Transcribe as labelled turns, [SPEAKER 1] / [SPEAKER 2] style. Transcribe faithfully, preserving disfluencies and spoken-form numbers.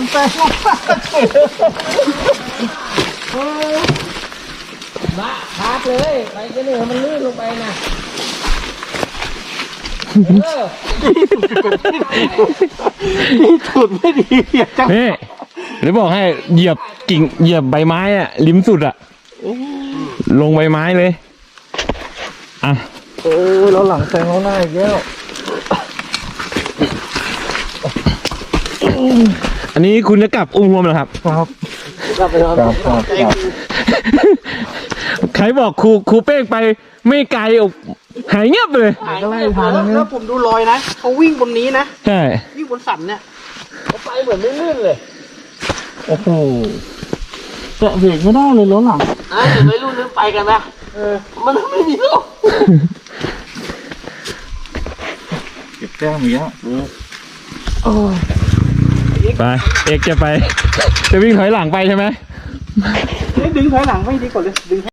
[SPEAKER 1] แซงลงมาเฉยบ้าพาดเลยไปกันเลยมันลื่นลงไปนะนี่สุดไม่ดีจังนี่เดี๋ยวบอกให้เหยียบกิ่งเหยียบใบไม้อะริมสุดอะลงใบไม้เลยอ่ะเออเราหลังแซงเราหน้าอีกแล้วอันนี้คุณจะกลับอุ้มรวมเหรอครับครับกลับไปครับครับใครบอกครูครูเป้งไปไม่ไกลอกหายเงียบเลยหายเงียบแล้วแล้วผมดูรอยนะเขาวิ่งบนนี้นะใช่วิ่งบนสันเนี่ยเขาไปเหมือนไม่ลื่นเลยโอ้โหแตะเบรกไม่ได้เลยรถหลังอ่ะเดี๋ยวไม่รู้นึกไปกันนะเออมันไม่มีโลกเก็บแก้มอีกแล้วไปเอกจะไปจะวิ่งถอยหลังไปใช่ไหมดึงถอยหลังไม่ดีกว่าเลยดึง